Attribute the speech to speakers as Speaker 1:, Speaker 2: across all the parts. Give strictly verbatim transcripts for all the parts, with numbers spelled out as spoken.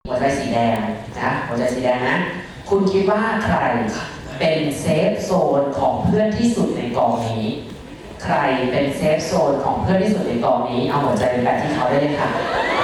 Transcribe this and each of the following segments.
Speaker 1: หัวใจสีแดงนะหัวใจสีแดงนะคุณคิดว่าใครเป็นเซฟโซนของเพื่อนที่สุดในกองนี้ใครเป็นเซฟโซนของเพื่อนที่สุดในกองนี้เอาหัวใจไปแปะที่เขาได้เลยค่ะ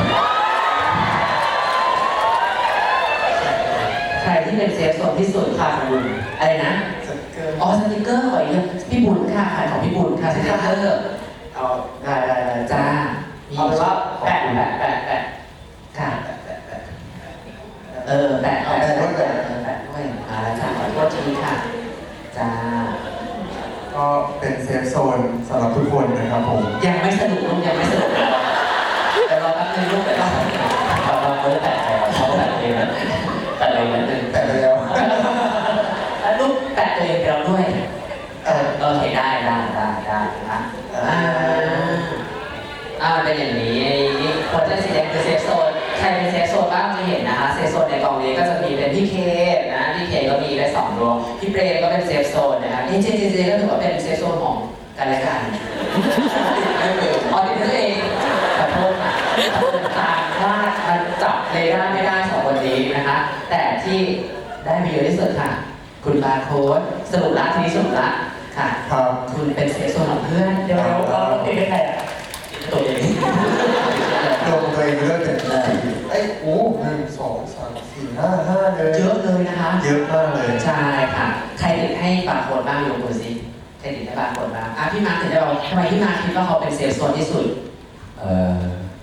Speaker 1: ใครที่เป็นเซฟโซนที่สุดค่ะคุณอะไรนะอ๋อสติกเกอร์ขออีกพี่บุญค่ะขายของพี่บุญค่ะสติกเกอร์เอาได้ได้ได้จ้าเอาเป็นว่าแปะแปะแปะแปะค่ะเออแปะแปะด้วยแปะแปะด้วยอ่าจ้าขอโทษทีค่ะจ้า
Speaker 2: ก็เป็นเซฟโซนสำหรับทุกคนนะครับผม
Speaker 1: ยังไม่สนุกลูกยังไม่สนุกแต่เราแป๊บนึงลูกแต่เราเราเขาจะแปะเขาแปะเองนะแปะเองนิดนึง
Speaker 2: แปะไปแล้ว
Speaker 1: แล้วลูกแปะตัวเองไปแล้วด้วยเออโอเคได้ได้ได้ได้นะอ่าอ่าเป็นอย่างนี้หัวใจสีแดงคือเซฟโซนใครเป็นเซฟโซนบ้างจะเห็นนะคะเซฟโซนในกองนี้ก็จะมีเป็นพี่เคนะพี่เคก็มีได้สองดวงพี่เปรมก็เป็นเซฟโซนนะครับเอเจเจเจก็ถือว่าเป็นเซฟโซนของกันและกันไม่เป็นอ๋อติดนั่นเองขอโทษค่ะตามว่ามันจับเลยได้ไม่ได้สองคนนี้นะคะแต่ที่ได้มีเยอะที่สุดค่ะคุณบาร์โค้ดสรุปละทีนี้สรุปละค่ะ
Speaker 2: ครับ
Speaker 1: คุณเป็นเซฟโซนของเพื่อนเดี๋ยวเราเราติดได้ใครอ่ะตัวเอง
Speaker 2: ลงตัวเองเลือกเป็นไอ้โอ้หนึ่งสองสามสี่ห้าห้าเลย
Speaker 1: เยอะเลยนะคะ
Speaker 2: เยอะมากเลย
Speaker 1: ใช่ค่ะใครติดให้บาร์โค้ดบ้างยกมือสิใครติดให้บาร์โค้ดบ้างอ่ะพี่มาร์คถึงได้บอกทำไมพี่มาร์คคิดว่าเขาเป็นเซฟโซนที่สุดเออ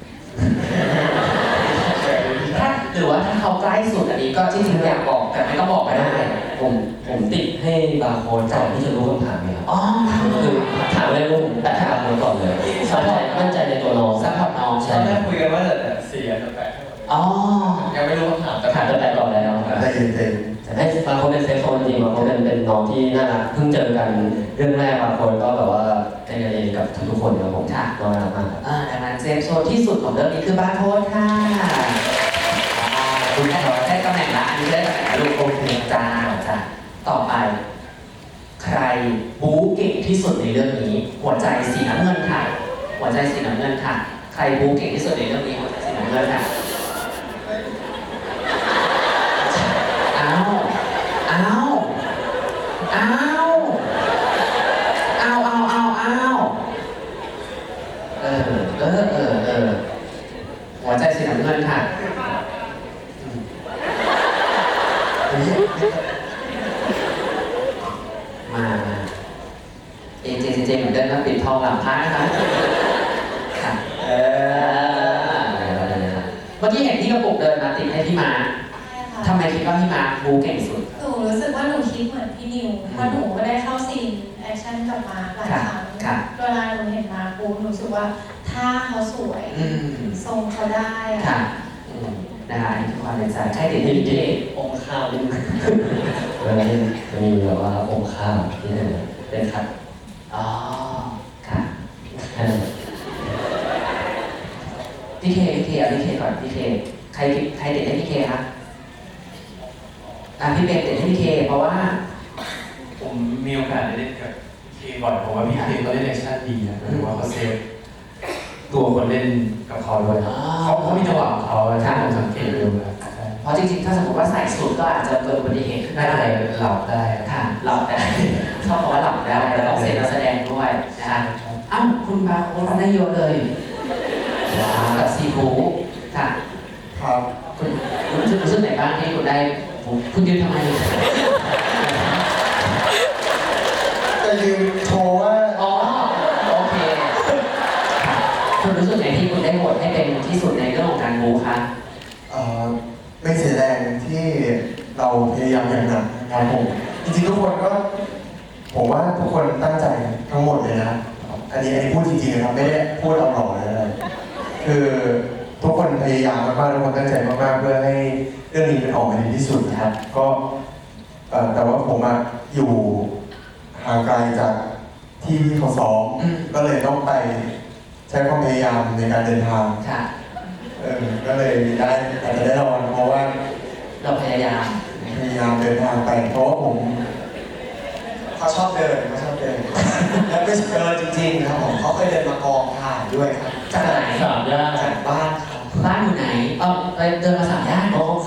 Speaker 1: ถ้าหรือว่าถ้าเขาใกล้สุดอันนี้ก็ที่จริงอยากบอกแต่ไม่ต้องบอกก็ได้
Speaker 3: ผมผมติดให้บาร์โค้ดก่อนที่จะรู้คำถามเนี่ยครับ
Speaker 1: อ๋อ
Speaker 3: คือถามอะไรรู้ผมแต่ถามบาร์โค้ดก่อนเลยมั่นใจมั่นใจในตัวน้อง
Speaker 1: ซัพพอร์ตน้อง
Speaker 3: ใช่
Speaker 4: แม่คุยกันว่าจะเสียจะแปะ
Speaker 1: อ๋อ
Speaker 4: ยังไม่รู้คำถาม
Speaker 3: แต่ถามจะแปลก่อนแล้ว
Speaker 2: ได้ยินเต็ม
Speaker 3: แต่ให้บาร์โค้ดเป็นเซฟโซนจริงบาร์โค้ดเป็นเป็นน้องที่น่ารักเพิ่งเจอกันเรื่องแรกบาร์โค้ดก็แบบว่าเป็นกันเองกับทุกๆคนครับผมน้องน่ารักมากครับ
Speaker 1: อ่าดังนั้นเซฟโซนที่สุดของเรื่องนี้คือบาร์โค้ดค่ะคุณได้ได้ตำแหน่งละอันนี้ได้ตำแหน่งลูกโอเคจ้าจ้าต่อไปใครบู๊เก่งที่สุดในเรื่องนี้หัวใจสีน้ำเงินค่ะหัวใจสีน้ำเงินค่ะใครบู๊เก่งที่สุดในเรื่องนี้หัวใจสีน้ำเงินค่ะอ้าวอ้าวอ้าวอ้าวอ้าวอ้าวอ้าวเออเออเออเออหัวใจสีน้ำเงินค่ะมาเอเจเจเหมือนเดิมนะปิดทองหลังพระนะคะค่ะเออเมื่อกี้เห็นที่กระปุกเดินมาติดให้พี่มาทำไมคิดว่าพี่มาบูเก่งสุด
Speaker 5: หนูรู้สึกว่าหนูคิดเหมือนพี่นิวเพราะหนูก็ได้เข้าซีนแอคชั่นกับมาหลายครั้งเวลาหนูเห็นมาปูหนูรู้สึกว่าท่าเขาสวยทรงเขาได้
Speaker 1: ค่ะนะคะนี่คือความเป็นใจใช่ติดที่พี่
Speaker 3: องค์ข้าวนิดนึงแล้วนี่จะมีแบบว่าองค์ข้าวที่นี่เป็นคัด
Speaker 1: อ๋อค่ะพี่เคพี่เคเอาพี่เคก่อนพี่เคใครใครติดให้พี่เคครับอ่ะพี่เบนติดให้พี่เคเพราะว่า
Speaker 4: ผมมีโอกาสได้เล่นกับพี่เคบ่อยเพราะว่าพี่เคเขาเล่นแอคชั่นดีนะหรือว่าเขาเซฟตัวคนเล่นกับเขาด้วยเขาเขามีจังหวะของเขาถ้าผมสังเกตดูนะ
Speaker 1: เพราะจริงๆถ้าสมมติว่าใส่สูทก็อาจจะเกิดอุบัติเหตุขึ้นได้
Speaker 4: หลับได้
Speaker 1: ค่ะหลับได้ชอบบอกว่าหลับได้แล้วต้องเซ็นนักแสดงด้วยนะคะอ้าวคุณบาร์โค้ดได้เยอะเลยกับซีฟูค่ะ
Speaker 2: ครับ
Speaker 1: คุณคุณรู้สึกรู้สึกไหนบ้างที่คุณได้คุณยืนทำไม
Speaker 2: จะยืนโชว์ว่า
Speaker 1: อ๋อโอเคคุณรู้สึกไหนที่คุณได้โหวตให้เป็นที่สุดในเรื่องของการบู๊คะ
Speaker 2: เอ่อไม่เสียแรงที่เราพยายามอย่างหนักนะครับผมจริงๆทุกคนก็ผมว่าทุกคนตั้งใจทั้งหมดเลยนะอันนี้อันนี้พูดจริงๆนะครับไม่ได้พูดเอาหล่อเลยอะไรคือทุกคนพยายามมากๆทุกคนตั้งใจมากๆเพื่อให้เรื่องนี้มันออกมาดีที่สุดนะครับก็แต่ว่าผมอะอยู่ห่างไกลจากที่ที่เขาซ้อมก็เลยต้องไปใช้ความพยายามในการเดินทางเออก็เลยได้อาจจะได้รางวัลเพราะว่า
Speaker 1: เราพยายาม
Speaker 2: พยายามเดินทางไปเพราะว่าผมเขาชอบเดินเขาชอบเดินและไม่ใช่เดินจริงๆครับผมเขาเคยเดินมากองถ่ายด้วยครับ
Speaker 1: จากไหน
Speaker 3: สามย่าน
Speaker 2: จากบ้านเขา
Speaker 1: บ้านอยู่ไหนเออไปเดินมาสามย่าน
Speaker 2: เขา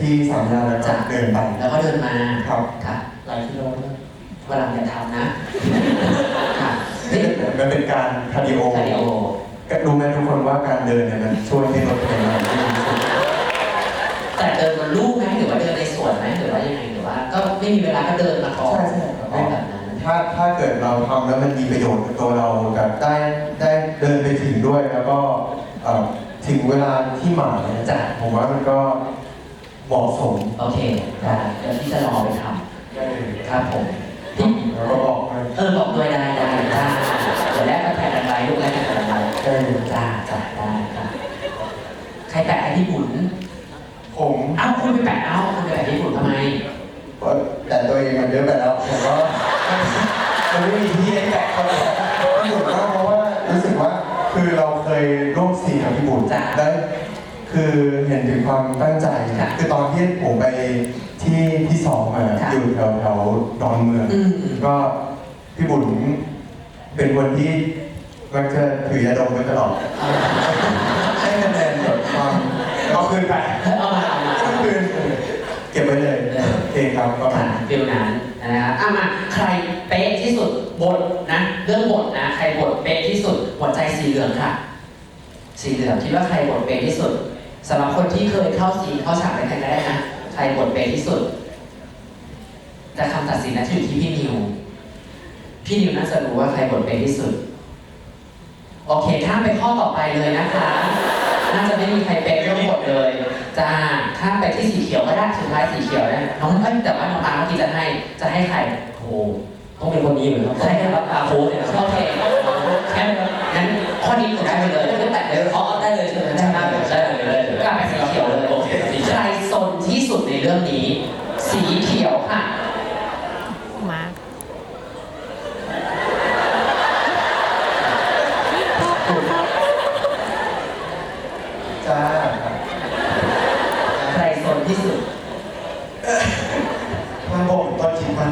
Speaker 2: ที่สามย่านแล้วก็เดินไป
Speaker 1: แล้วก็เดินมา
Speaker 2: ครับ
Speaker 1: ค่ะ
Speaker 3: หลายกิโลนะ
Speaker 1: วันหลังอย่าทำนะค่ะ
Speaker 2: นี่
Speaker 1: นี่
Speaker 2: มันเป็นการคาร์ดิโอ
Speaker 1: คาร์ดิโอ
Speaker 2: รู้ไหมทุกคนว่าการเดินเนี่ยมันช่วยให้ลดไขมันได้ดีที่สุด
Speaker 1: แต่เดินบนลู่ไหมหรือว่าเดินในสวนไหมหรือว่ายังไงหรือว่า ก็ไม่มีเวลาก็เดินมาก่อน
Speaker 2: ใช่ใช่ครับ
Speaker 1: ไม่แบบนั้น
Speaker 2: ถ้าถ้าเกิดเราทำแล้วมันมีประโยชน์กับตัวเราแบบได้ได้เดินไปถึงด้วยแล้วก็เอ่อถึงเวลาที่หมายเนี่ย
Speaker 1: จ้ะ
Speaker 2: ผมว่ามันก็เหมาะสม
Speaker 1: โอเคได้เดี๋ยวพี่จะรอไปท
Speaker 2: ได้เลย
Speaker 1: ำครับผมพี่
Speaker 2: แล้วก็บอกให้
Speaker 1: เออบอกด้วยได้ได้ได้เดี๋ยวแรกก็แผ่นอะไรลูกแรกก็แผ่นอะไร
Speaker 2: ได้เลย
Speaker 1: จ้าจ้าได้ค่ะใครแปะให้พี่บุญ
Speaker 2: ผม
Speaker 1: เอ้าคุณไปแปะเอ้าคุณไปแปะพี่บุญทำไม
Speaker 2: ก็แต่ตัวเองมันเยอะไปแล้วผมก็มันไม่มีที่ให้แตะเขาแล้วพี่บุญก็เพราะว่ารู้สึกว่าคือเราเคยร่วมซีนกับพี่บุญ
Speaker 1: จ้ะ
Speaker 2: ได้คือเห็นถึงความตั้งใจ
Speaker 1: ค่ะ
Speaker 2: คือตอนที่ผมไปที่ที่สองมา
Speaker 1: ค่ะ
Speaker 2: อยู่แถวแถวดอนเมือง
Speaker 1: อืม
Speaker 2: ก็พี่บุญเป็นคนที่มักจะถือยาดมไว้ตลอดให้คะแนนแบบความเอาคืนไป
Speaker 1: เอามาเอามา
Speaker 2: เอาคืนเก็บไว้เลยเองครับประมา
Speaker 1: ค่ะ
Speaker 2: ณ
Speaker 1: ฟิลนั้นนะครับอ่ะมาใครเป๊ะที่สุดบทนะ เรื่องบทนะ ใครบทเป๊ะที่สุดหัวใจสีเหลืองค่ะ สีเหลืองคิดว่าใครบทเป๊ะที่สุดสำหรับคนที่เคยเข้าซีนเข้าฉากด้วยกันก็ได้นะใครบทเป๊ะที่สุดแต่คำตัดสินนะอยู่ที่พี่นิว พี่นิวน่าจะรู้ว่าใครบทเป๊ะที่สุด โอเคข้ามไปข้อต่อไปเลยนะคะ น่าจะไม่มีใครเป๊ะเรื่องบทเลยจ้าข้ามไปที่สีเขียวก็ได้สุดท้ายสีเขียวนะน้องเอ้ยแต่ว่าน้องอาร์เมื่อกี้จะให้จะให้ใคร
Speaker 3: โอ้โหต้องเป็นคนนี้เหมือนครับ
Speaker 1: ใช่ครับ
Speaker 3: อาโค้ดเนี่ยนะค
Speaker 1: โอ
Speaker 3: รับ
Speaker 1: เคงั้นงั้นข้อนี้หนูได้ไปเลยไม่แตะเลย
Speaker 3: อ๋อได้เลยใช่ไหม
Speaker 1: ได้มากเลย
Speaker 3: ได้เลยได้เลย
Speaker 1: กลับไปสีเขียวเลย
Speaker 3: โอเคสี
Speaker 1: ใครซนที่สุดในเรื่องนี้ สีเขียวค่ะ
Speaker 6: มา
Speaker 2: จ้า
Speaker 1: ใครซนที่สุด
Speaker 2: มาบอกตอนจิตมัน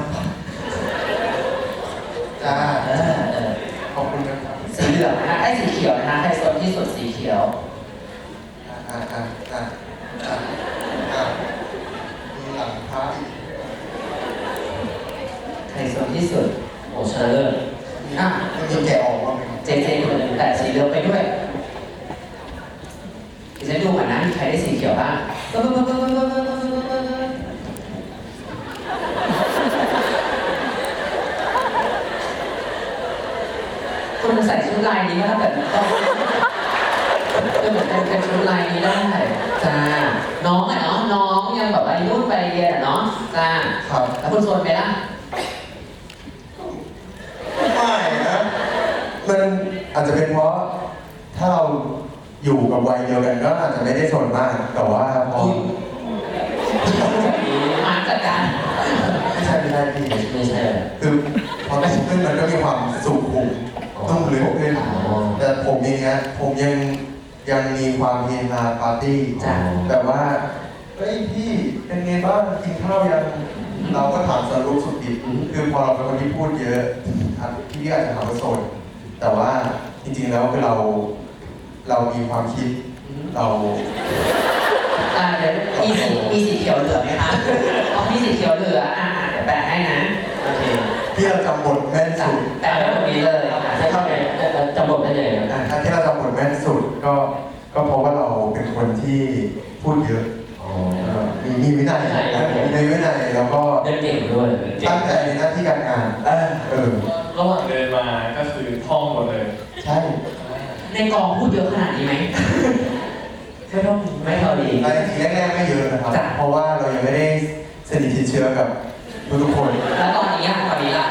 Speaker 2: จ้า
Speaker 1: เออเออ
Speaker 2: ขอบคุณนะครับ
Speaker 1: สีเหลืองนะคะไอ้สีเขียวนะคะใครซนที่สุดสีเขียว
Speaker 2: อ่าอ่าอ่าอ่าอ่าอ่ามีหลังพระอีก
Speaker 1: ใครซนที่สุด
Speaker 3: โอ้ชนะเลิศ
Speaker 1: อ่ะ
Speaker 2: มันมีแกะออกบ้างไหมครับ
Speaker 1: เจเจคนหนึ่งแต่สีเหลืองไปด้วยดิฉันดูก่อนนะมีใครได้สีเขียวบ้างคุณใส่ชุดลายนี้ก็ถ้าแบบต้องก็เหมือนเป็นเป็นชุดลายนี้ได้จ้าน้องอ่ะเนาะน้องยังแบบวัยรุ่นไปเรียนอ่ะเนาะจ้า
Speaker 2: ครับ
Speaker 1: แล้วคุณโซนไปล่ะ
Speaker 2: ไม่นะมันอาจจะเป็นเพราะถ้าเราอยู่กับวัยเดียวกันก็อาจจะไม่ได้สนมาก แต่ว่าพอ
Speaker 1: มาจัดการ
Speaker 2: ไม่ใช่ไม่ใช่พี่
Speaker 3: ไม่ใช่
Speaker 2: คือพอได้ขึ้นมันก็มีความสุขุมต้องลึกขึ้นแต่ผมอย่างเงี้ยผมยังยังมีความเฮฮาปาร์ตี้
Speaker 1: จ้า
Speaker 2: แบบว่าเฮ้ยพี่เป็นไงบ้างกินข้าวยังเราก็ถามสรุปสุดดิบคือพอเราเป็นคนที่พูดเยอะอ่ะพี่อาจจะหาว่าโซนแต่ว่าจริงๆแล้วคือเราเรามีความคิดเรา
Speaker 1: อ่าเดี๋ยวมีสีมีสีเขียวเหลือไหมคะอ๋อมีสีเขียวเหลืออ่าเดี๋ยวแปะให้นะโอเค
Speaker 2: ที่เราจำบทแม่น
Speaker 1: จ้ะ
Speaker 2: สุด
Speaker 1: แปะไว้ตรงนี้เลยค่ะ
Speaker 3: ใช่เข้าไปจำบทได้ยังไงครับ
Speaker 2: อ่ะถ้าที่เราจำบทแม่นสุดก็ก็เพราะว่าเราเป็นคนที่พูดเยอะ
Speaker 3: อ๋อ
Speaker 2: เอ่อมีมีวินัยนะมีในวินัยแล้วก็
Speaker 3: เล่นเก่งด้วย
Speaker 2: ตั้งใจในหน้าที่การงานเออเออ
Speaker 4: ระหว่างเดินมาก็คือท่องหมดเลย
Speaker 2: ใช่
Speaker 1: ในกองพูดเยอะขนาดนี้ไหม
Speaker 3: ไม่ต้อง
Speaker 1: ไม่เท่าดี
Speaker 2: แต่จริงๆแรกๆไม่เยอะนะครับ
Speaker 1: จ้ะ
Speaker 2: เพราะว่าเรายังไม่ได้สนิทชิดเชื้อกับทุกๆคน
Speaker 1: แล้วตอนนี้อ่ะตอนนี้ล่ะ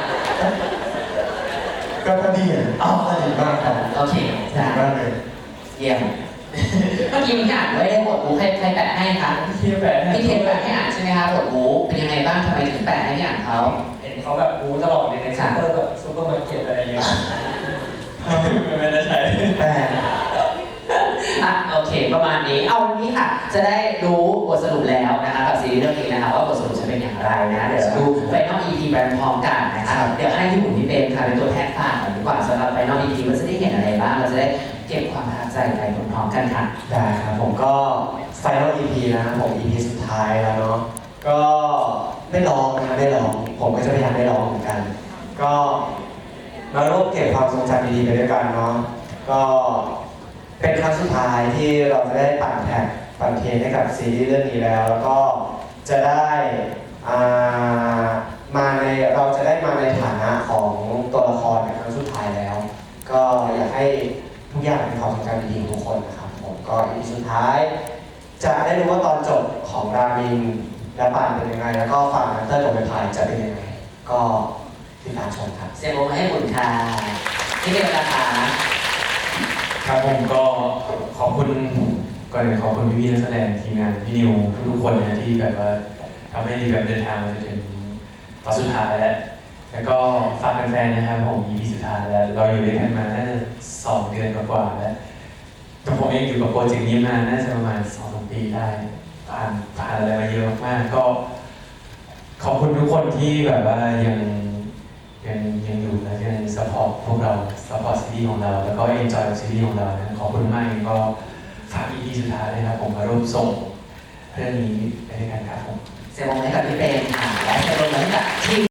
Speaker 2: ก็พอดีอ่ะ
Speaker 1: อ๋อ
Speaker 2: สนิทมากครับ
Speaker 1: โอเค
Speaker 2: สนิ
Speaker 1: จ้ะ
Speaker 2: ทมากเลย
Speaker 1: เยี่ยมเมื่อกี้มีอ่านไว้ได้บทบูใครใครแปะให้คะ
Speaker 4: พี่แปะให้
Speaker 1: พี่เทนแปะให้อ่านใช่ไหมคะบทบูเป็นยังไงบ้างทำไมถึงแปะให้พี่อ่านเขา
Speaker 4: เห็นเขาแบบรู้ตลอดเลยในซูเปอร์แบบซูเปอร์มาร์เก็ตอะไรอย่างเงี้ยไม่ได้ใช้
Speaker 2: แต่
Speaker 1: อ่ะโอเคเคประมาณนี้เอาวันนี้ค่ะ จะได้รู้บทสรุปแล้วนะคะกับซีรีส์เรื่องนี้นะคะว่าบทสรุปจะเป็นอย่างไรนะเดี๋ยวดูไฟนอล อี พี ไปพร้อมกันนะคะเดี๋ยวให้พี่หมูพี่เบนค่ะเป็นตัวแทนฝากหน่อยดีกว่าสำหรับไฟนอล อี พี ว่าจะได้เห็นอะไรบ้างเราจะได้เก็บความประทับใจไปพร้อมๆกันค่ะ
Speaker 7: ได้ครับผมก็ Final อี พี นะครับผม อี พี สุดท้ายแล้วเนาะก็ไม่ร้องนะครับไม่ร้องผมก็จะพยายามไม่ร้องเหมือนกัน ก็มาร่วมเก็บความทรงจำดีๆไปด้วยกันเนาะก็เป็นครั้งสุดท้ายที่เราจะได้ปั่นแท็กปั่นเทรนให้กับซีรีส์เรื่องนี้แล้ว แล้วก็จะได้อ่ามาในเราจะได้มาในฐานะของตัวละครในครั้งสุดท้ายแล้ว ก็อยากให้ทุกอย่างเป็นความทรงจำดีๆของทุกคนนะครับผมก็อีพีสุดท้าย จะได้รู้ว่าตอนจบของรามินและป่านเป็นยังไง แล้วก็ฝั่งนันเตอร์กับเบนพายจะเป็นยังไง ก็ติดตามชมครับ
Speaker 1: เสียงปรบมือให้คุณค่ะที่เป็นราคา
Speaker 4: ครับผมก็ขอบคุณก่อนอื่นขอบคุณพี่ๆนักแสดงทีมงานพี่นิวทุกๆคนนะที่แบบว่าทำให้แบบเดินทางมาจนถึงตอนสุดท้ายแล้วแล้วก็ฝากแฟนๆนะครับผม อี พี สุดท้ายแล้วเราอยู่ด้วยกันมาน่าจะสองเดือนกว่าๆแล้วแต่ผมเองอยู่กับโปรเจกต์นี้มาน่าจะประมาณสองสามปีได้ผ่านผ่านอะไรมาเยอะมากๆก็ขอบคุณทุกคนที่แบบว่ายังยังยังอยู่และยังสปอร์ตพวกเราสปอร์ตซีรีส์ของเราแล้วก็เอ็นจอยกับซีรีส์ของเรานะขอบคุณมากก็ฝาก อี พี สุดท้ายนะครับผมมาร่วมส่งเรื่องนี้ไปด้วยกันครับผม
Speaker 1: เสียงปรบมือให้กับพี่เบนค่ะและเสียงปรบมือให้กับทีม